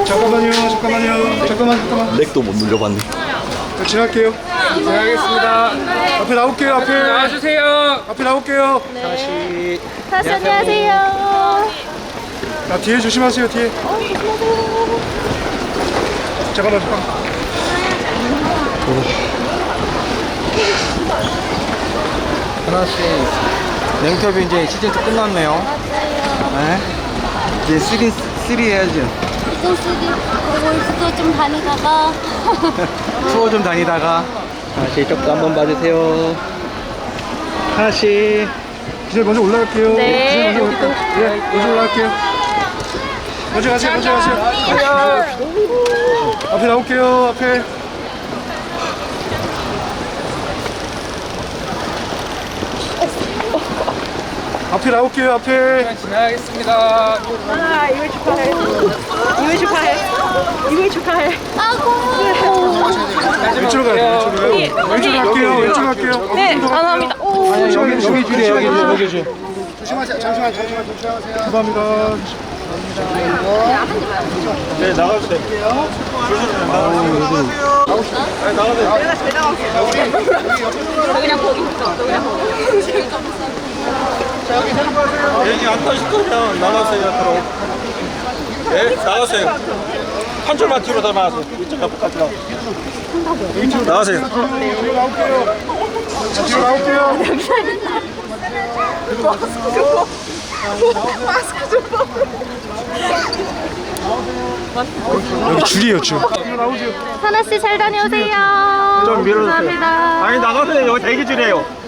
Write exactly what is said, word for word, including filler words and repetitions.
잠깐만요, 잠깐만요. 잠깐만, 잠깐만. 렉도 못 눌려봤네. 저 지날게요. 알겠습니다. 앞에 나올게요, 앞에. 나와주세요. 앞에 나올게요. 다시. 다시 안녕하세요. 자, 뒤에 조심하세요, 뒤에. 잠깐만, 잠깐만. 하나씩 냉터뷰 이제 시즌 이 끝났네요. 네. 이제 쓰리, 쓰리 해야죠. 이제 쓰기 월수도 좀 다니다가 투어 좀 다니다가. 하나씩 쪽도 한번 봐주세요. 하나씩. 기자 먼저 올라갈게요. 네. 기자 먼저 올라갈게요. 예, 먼저 올라갈게요. 먼저 가세요, 먼저 가세요. 앞에 나올게요, 앞에. 앞에 나올게요, 앞에. 지나가겠습니다. 아, 이걸 축하해. 이걸 축하해. 이걸 축하해. 왼쪽으로 가요, 왼쪽으로 가요. 왼쪽으로 갈게요, 왼쪽으로 갈게요. 네, 감사합니다. 오, 여기, 여기 줄이에요, 여기, 여기 줄. 조심하세요. 잠시만, 잠시만, 조심하세요. 감사합니다. 네, 나가주세요. 얘기 안 타실 거면 나가세요, 앞으로. 네, 나가세요. 한 줄만 뒤로 더 나가세요. 이쪽 앞까지 나가세요. 나가세요. 뒤로 나올게요. 자, 뒤로 나올게요. 여기 줄이에요, 줄. 뒤로 나오세요. 하나 씨 잘 다녀오세요. 좀 밀어주세요. 감사합니다. 아니, 나가세요. 여기 대기줄이에요.